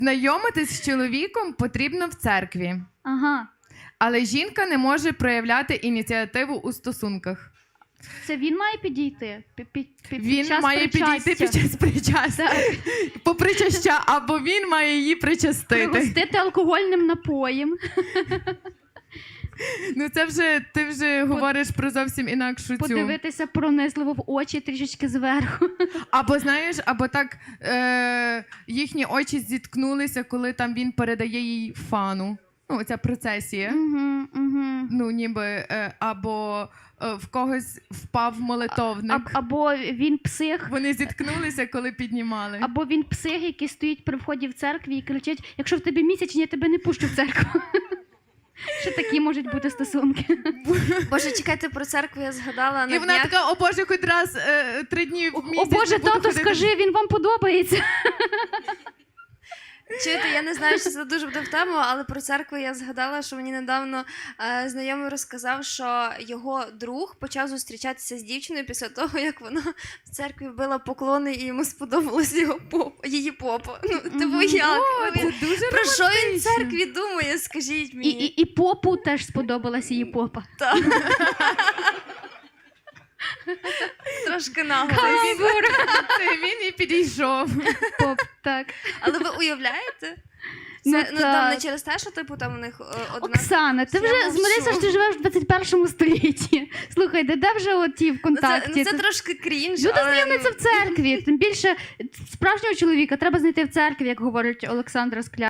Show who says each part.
Speaker 1: знайомитись з чоловіком потрібно в церкві.
Speaker 2: Ага.
Speaker 1: Але жінка не може проявляти ініціативу у стосунках.
Speaker 2: Це він має підійти?
Speaker 1: Він має підійти під час причастя. Попричаща, або він має її причастити.
Speaker 2: Пригостити алкогольним напоєм.
Speaker 1: Ну це вже, ти вже говориш про зовсім інакшу цю.
Speaker 2: Подивитися пронизливо в очі трішечки зверху.
Speaker 1: Або, знаєш, або так їхні очі зіткнулися, коли там він передає їй фану. Ну, оця процесія. Ну, ніби, або в когось впав молитовник.
Speaker 2: Або він псих.
Speaker 1: Вони зіткнулися, коли піднімали.
Speaker 2: Або він псих, який стоїть при вході в церкві і кричить: якщо в тебе місячні, я тебе не пущу в церкву. Що такі можуть бути стосунки?
Speaker 3: Боже, чекайте, про церкву я згадала на
Speaker 1: І вона
Speaker 3: днях.
Speaker 1: така: о Боже, хоч раз 3 дні в місяць.
Speaker 2: О Боже,
Speaker 1: не буду
Speaker 2: тато,
Speaker 1: ходити.
Speaker 2: скажи, він вам подобається.
Speaker 3: Чуєте, я не знаю, чи це дуже буде в тему, але про церкву я згадала, що мені недавно знайомий розказав, що його друг почав зустрічатися з дівчиною після того, як вона в церкві вбила поклони і йому сподобалось її попа. Ну, типу, як?
Speaker 1: О, це дуже
Speaker 3: Про що він в
Speaker 1: романтично.
Speaker 3: церкві думає, скажіть мені?
Speaker 2: І попу теж сподобалась її попа.
Speaker 3: Так. Трошки нагло.
Speaker 1: Це він і підійшов.
Speaker 2: Поп, так.
Speaker 3: Але ви уявляєте?
Speaker 2: Ну,
Speaker 3: Це, там
Speaker 2: так.
Speaker 3: не через те, що типу там у них одна...
Speaker 2: Оксана, ти
Speaker 3: Я
Speaker 2: вже
Speaker 3: мовчу.
Speaker 2: змирися, що ти живеш в 21 столітті. Слухай, де вже оті в контакті?
Speaker 3: Це трошки крінж,
Speaker 2: Люди
Speaker 3: але...
Speaker 2: знайомляться в церкві. Тим більше справжнього чоловіка треба знайти в церкві, як говорить Олександра Скляр.